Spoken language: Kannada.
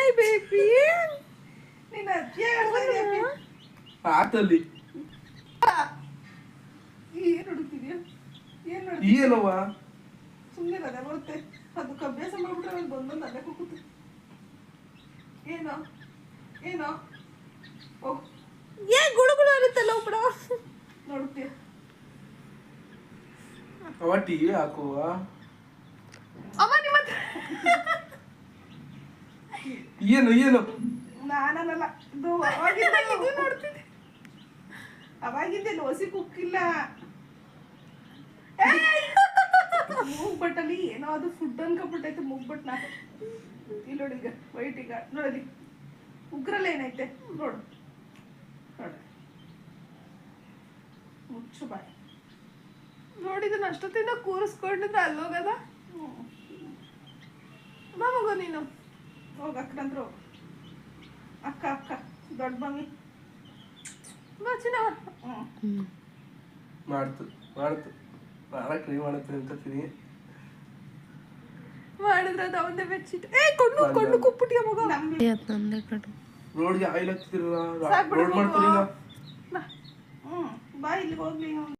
Hi baby. ನೀನು ಅಜ್ಜಿ ಆತಲ್ಲಿ ಏನು ಹುಡುಕ್ತಿದ್ಯಾ? ಏನು ಏನವ್ವ ಸುಮ್ಮನೆ ಅದೇ ಬರುತ್ತೆ. ಅದಕ್ಕೆ ಅಭ್ಯಾಸ ಮಾಡ್ಬಿಟ್ರೆ ಅವ್ನು ಬಂದೊಂದು ಅಲ್ಲೇ ಕೂಗುತ್ತೆ. ಏನೋ ಏನೋ ಓಹ್ ಏನ್ ಗುಳುಗುಳು ಇರುತ್ತಲ್ಲ ಒಬ್ಬಡ ನೋಡ್ತೀಯ. ಅವ ಟಿವಿ ಹಾಕುವ ಅಮ್ಮ ನಿಮ್ಮ ಏನು ಏನು ನಾನಲ್ಲ ಇದು ಇದು ನೋಡ್ತಿದ್ದೆ. ಅವಾಗಿದ್ದೇನು ಹೊಸಿ ಕುಕ್ಕಿಲ್ಲ. ಮೂಗ್ ಬಟ್ಟಲ್ಲಿ ಏನೋ ಅದು ಫುಡ್ ಅನ್ಕೊಬಿಟ್ಟೈತೆ. ಮೂಗ್ ಬಟ್ನ ಇಲ್ಲಿ ನೋಡಿ, ಈಗ ವೈಟ್ ಈಗ ನೋಡಿ ಉಗ್ರಲ್ಲಿ ಏನೈತೆ ನೋಡು ನೋಡು. ಮುಚ್ಚು ಬಾಯ್. ನೋಡಿದನ ಅಷ್ಟೊತ್ತಿಂದ ಕೂರಿಸ್ಕೊಂಡಿದ್ರೆ ಅಲ್ಲೋಗದ. ಬಾ ಮಗು ನೀನು ಹೋಗ ಅಕ್ಕನಂದ್ರು ಹೋಗು. ಅಕ್ಕ ಅಕ್ಕ ದೊಡ್ಡ ಮಮ್ಮಿ ಬಾ ಚಿನ್ನ. ಮಾಡ್ತು ಟ್ರೈ ಮಾಡುತ್ತೆ ಅಂತ ತಿನಿ ಮಾಡಿದ್ರೆ ಅದು ಅವನ್ನೇ ಬೆಚ್ಚಿಟ್ಟು ಕಣ್ಣು ಕುಪ್ಪಿಟ್ಟಿಯ ಮಗ. ರೋಡ್ಗೆ ಆಯಿಲ್ ಹಚ್ತಿರಲ್ಲ, ಸಾಕ್ಬಿಡು ರೋಡ್ ಮಾಡ್ತಾರಿಲ್ಲ. ಬಾ ಇಲ್ಲಿ ಹೋಗ್ಲಿ.